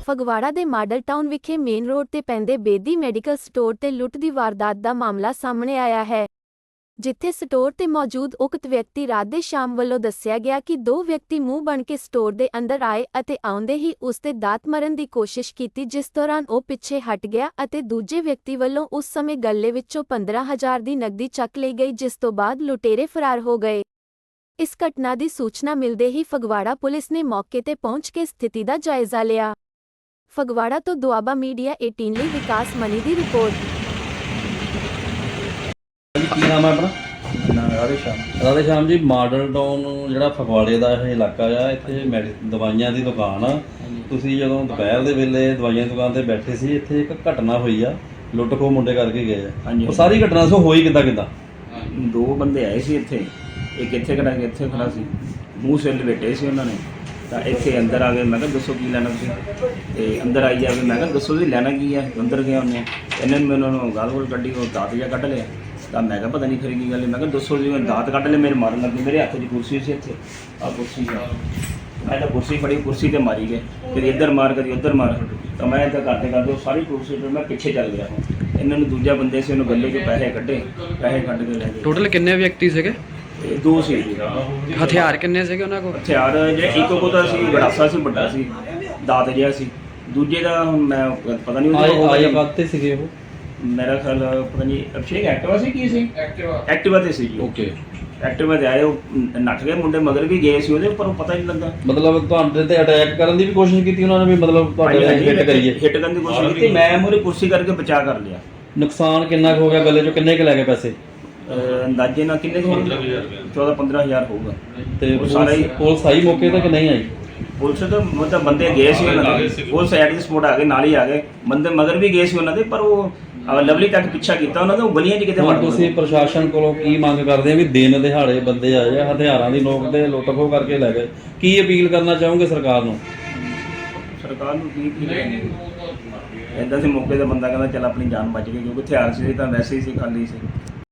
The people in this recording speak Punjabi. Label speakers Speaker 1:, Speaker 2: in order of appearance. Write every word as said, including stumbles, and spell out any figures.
Speaker 1: ਫਗਵਾੜਾ ਦੇ ਮਾਡਲ ਟਾਊਨ ਵਿਖੇ ਮੇਨ ਰੋਡ ਤੇ ਪੈਂਦੇ ਬੇਦੀ ਮੈਡੀਕਲ ਸਟੋਰ ਤੇ ਲੁੱਟ ਦੀ ਵਾਰਦਾਤ ਦਾ ਮਾਮਲਾ ਸਾਹਮਣੇ ਆਇਆ ਹੈ, ਜਿੱਥੇ ਸਟੋਰ ਤੇ ਮੌਜੂਦ ਉਕਤ ਵਿਅਕਤੀ ਰਾਤ ਦੇ ਸ਼ਾਮ ਵੱਲੋਂ ਦੱਸਿਆ ਗਿਆ ਕਿ ਦੋ ਵਿਅਕਤੀ ਮੂੰਹ ਬਣ ਕੇ ਸਟੋਰ ਦੇ ਅੰਦਰ ਆਏ ਅਤੇ ਆਉਂਦੇ ਹੀ ਉਸ ਤੇ ਦਾਤ ਮਾਰਨ ਦੀ ਕੋਸ਼ਿਸ਼ ਕੀਤੀ, ਜਿਸ ਦੌਰਾਨ ਉਹ ਪਿੱਛੇ ਹਟ ਗਿਆ ਅਤੇ ਦੂਜੇ ਵਿਅਕਤੀ ਵੱਲੋਂ ਉਸ ਸਮੇਂ ਗੱਲੇ ਵਿੱਚੋਂ ਪੰਦਰਾਂ ਹਜ਼ਾਰ ਦੀ ਨਕਦੀ ਚੱਕ ਲਈ ਗਈ, ਜਿਸ ਤੋਂ ਬਾਅਦ ਲੁਟੇਰੇ ਫਰਾਰ ਹੋ ਗਏ। ਇਸ ਘਟਨਾ ਦੀ ਸੂਚਨਾ ਮਿਲਦੇ ਹੀ ਫਗਵਾੜਾ ਪੁਲਿਸ ਨੇ ਮੌਕੇ ਤੇ ਪਹੁੰਚ ਕੇ ਸਥਿਤੀ ਦਾ ਜਾਇਜ਼ਾ ਲਿਆ। ਫਗਵਾੜਾ ਤੋਂ ਦੁਆਬਾ ਮੀਡੀਆ ਅਠਾਰਹ ਲਈ ਵਿਕਾਸ ਮਨੀ ਦੀ ਰਿਪੋਰਟ।
Speaker 2: ਕੀ ਨਾਮ ਹੈ ਆਪਣਾ?
Speaker 3: ਨਾ ਰਾਧੇ ਸ਼ਾਮ
Speaker 2: ਰਾਧੇ ਸ਼ਾਮ ਜੀ, ਮਾਡਲ ਟਾਊਨ ਜਿਹੜਾ ਫਗਵਾੜੇ ਦਾ ਇਹ ਇਲਾਕਾ ਆ, ਇੱਥੇ ਮੈਡੀ ਦਵਾਈਆਂ ਦੀ ਦੁਕਾਨ ਆ। ਤੁਸੀਂ ਜਦੋਂ ਦੁਪਹਿਰ ਦੇ ਵੇਲੇ ਦਵਾਈਆਂ ਦੀ ਦੁਕਾਨ ਤੇ ਬੈਠੇ ਸੀ, ਇੱਥੇ ਇੱਕ ਘਟਨਾ ਹੋਈ ਆ, ਲੁੱਟ ਖੋਹ ਮੁੰਡੇ ਕਰਕੇ ਗਏ ਆ। ਉਹ ਸਾਰੀ ਘਟਨਾ ਸੋ ਹੋਈ ਕਿੱਦਾਂ ਕਿੱਦਾਂ?
Speaker 3: ਦੋ ਬੰਦੇ ਆਏ ਸੀ ਇੱਥੇ, ਇੱਕ ਇੱਥੇ ਖੜਾ ਸੀ, ਇੱਥੇ ਖੜਾ ਸੀ, ਮੂੰਹ ਸਿਰ ਲਪੇਟੇ ਸੀ ਉਹਨਾਂ ਨੇ। ਤਾਂ ਇੱਥੇ ਅੰਦਰ ਆ ਗਏ, ਮੈਂ ਕਿਹਾ ਦੱਸੋ ਕੀ ਲੈਣਾ ਤੁਸੀਂ? ਤੇ ਅੰਦਰ ਆਈ ਜਾ ਕੇ ਮੈਂ ਕਿਹਾ ਦੱਸੋ ਤੁਸੀਂ ਲੈਣਾ ਕੀ ਹੈ? ਅੰਦਰ ਗਿਆ ਉਹਨੇ, ਇਹਨਾਂ ਨੇ ਮੈਨੂੰ ਉਹਨੂੰ ਗਾਲ ਗੋਲ ਕੱਢੀ, ਉਹ ਦਾਤ ਜਿਹਾ ਕੱਢ ਲਿਆ। ਤਾਂ ਮੈਂ ਕਿਹਾ ਪਤਾ ਨਹੀਂ ਫਿਰ ਕੀ ਗੱਲ ਹੈ। ਮੈਂ ਕਿਹਾ ਦੱਸੋ ਜੀ, ਦਾਤ ਕੱਢ ਲਿਆ, ਮੇਰੇ ਮਾਰਨ ਲੱਗੇ। ਮੇਰੇ ਹੱਥ 'ਚ ਕੁਰਸੀ ਸੀ, ਇੱਥੇ ਆਹ ਕੁਰਸੀ ਸੀ, ਮੈਂ ਤਾਂ ਕੁਰਸੀ ਫੜੀ, ਕੁਰਸੀ 'ਤੇ ਮਾਰੀ ਗਏ, ਕਦੀ ਇੱਧਰ ਮਾਰ ਕਦੀ ਉੱਧਰ ਮਾਰ। ਤਾਂ ਮੈਂ ਇੱਦਾਂ ਕਰਦੇ ਕਰਦੇ ਉਹ ਸਾਰੀ ਕੁਰਸੀ 'ਤੇ ਮੈਂ ਪਿੱਛੇ ਚੱਲ ਗਿਆ। ਇਹਨਾਂ ਨੂੰ ਦੂਜਾ ਬੰਦੇ ਸੀ, ਉਹਨੂੰ ਗੱਲੇ 'ਚੋਂ ਪੈਸੇ ਕੱਢੇ, ਪੈਸੇ ਕੱਢ ਕੇ ਲੈ ਗਏ।
Speaker 4: ਟੋਟਲ ਕਿੰਨੇ ਵਿਅਕਤੀ ਸੀਗੇ?
Speaker 3: ਇਹ ਦੋ ਸੀ।
Speaker 4: ਹਥਿਆਰ ਕਿੰਨੇ ਸੀਗੇ ਉਹਨਾਂ ਕੋਲ?
Speaker 3: ਹਥਿਆਰ ਜਿਹੜੇ ਇੱਕ ਕੋਲ ਤਾਂ ਸੀ ਗੜਾਸਾ ਸੀ, ਵੱਡਾ ਸੀ, ਦਾਤ ਜਿਹਾ ਸੀ। ਦੂਜੇ ਦਾ ਹੁਣ ਮੈਂ ਪਤਾ ਨਹੀਂ
Speaker 2: ਆਏ ਕਾਤੇ ਸੀਗੇ ਉਹ?
Speaker 3: ਮੇਰਾ ਖਿਆਲ ਪਤਾ ਨਹੀਂ ਅਭਿਸ਼ੇਕ ਐਕਟਿਵਾ ਸੀ, ਕੀ ਸੀ? ਐਕਟਿਵਾ ਐਕਟਿਵਾ ਤੇ ਸੀ ਜੀ।
Speaker 2: ਓਕੇ,
Speaker 3: ਐਕਟਿਵਾ ਤੇ ਆਏ, ਉਹ ਨੱਠ ਗਏ ਮੁੰਡੇ, ਮਗਰ ਵੀ ਗਏ ਸੀ ਉਹਦੇ, ਪਰ ਉਹ ਪਤਾ ਹੀ ਨਹੀਂ ਲੱਗਾ।
Speaker 2: ਮਤਲਬ ਤੁਹਾਡੇ ਤੇ ਅਟੈਕ ਕਰਨ ਦੀ ਵੀ ਕੋਸ਼ਿਸ਼ ਕੀਤੀ ਉਹਨਾਂ ਨੇ ਵੀ? ਮਤਲਬ ਤੁਹਾਡੇ ਤੇ ਹਿੱਟ ਕਰੀਏ,
Speaker 3: ਹਿੱਟ ਕਰਨ ਦੀ ਕੋਸ਼ਿਸ਼ ਕੀਤੀ। ਮੈਂ ਮੂਹਰੇ ਕੁਰਸੀ ਕਰਕੇ ਬਚਾ ਕਰ ਲਿਆ।
Speaker 2: ਨੁਕਸਾਨ ਕਿੰਨਾ ਕੁ ਹੋ ਗਿਆ? ਗੱਲੇ ਚੋਂ ਕਿੰਨੇ ਕੁ ਲੈ ਗਏ ਪੈਸੇ?
Speaker 3: ਅੰਦਾਜ਼ੇ ਨਾਲ ਕਿੰਨੇ ਕੁ ਚੌਦਾਂ ਪੰਦਰਾਂ ਹਜ਼ਾਰ ਹੋਊਗਾ।
Speaker 2: ਤੇ ਸਾਰਾ ਹੀ ਪੁਲਿਸ ਆਈ ਮੌਕੇ ਤੇ ਕਿ ਨਹੀਂ ਆਈ?
Speaker 3: ਪੁਲਿਸ ਤਾਂ ਮਤਲਬ ਬੰਦੇ ਗਏ ਸੀ ਉਹਨਾਂ ਦੇ, ਪੁਲਿਸ ਐਟ ਦੀ ਸਪੋਰਟ ਆ ਗਏ, ਨਾਲ ਹੀ ਆ ਗਏ ਬੰਦੇ, ਮਗਰ ਵੀ ਗਏ ਸੀ ਉਹਨਾਂ ਦੇ, ਪਰ ਉਹ ਲਵਲੀ ਤੱਕ ਪਿੱਛਾ ਕੀਤਾ ਉਹਨਾਂ ਦਾ। ਉਹ ਗਲੀਆਂ 'ਚ ਕਿਤੇ ਵੜ ਗਏ। ਤੁਸੀਂ
Speaker 2: ਪ੍ਰਸ਼ਾਸਨ ਕੋਲੋਂ ਕੀ ਮੰਗ ਕਰਦੇ ਆ ਵੀ ਦਿਨ ਦਿਹਾੜੇ ਬੰਦੇ ਆਏ ਆ, ਹਥਿਆਰਾਂ ਦੀ ਨੋਕ ਤੇ ਲੁੱਟ ਖੋਹ ਕਰਕੇ ਲੈ ਗਏ, ਕੀ ਅਪੀਲ ਕਰਨਾ ਚਾਹੋਗੇ ਸਰਕਾਰ ਨੂੰ?
Speaker 3: ਸਰਕਾਰ ਨੂੰ ਕੀ ਕੀ ਇੱਦਾਂ ਦੇ ਮੌਕੇ 'ਤੇ ਬੰਦਾ ਕਹਿੰਦਾ ਚੱਲ ਆਪਣੀ ਜਾਨ ਬਚ ਗਈ, ਕਿਉਂਕਿ ਹਥਿਆਰ ਸੀ ਤਾਂ ਵੈਸੇ ਹੀ ਸੀ, ਖਾਲੀ ਸੀ।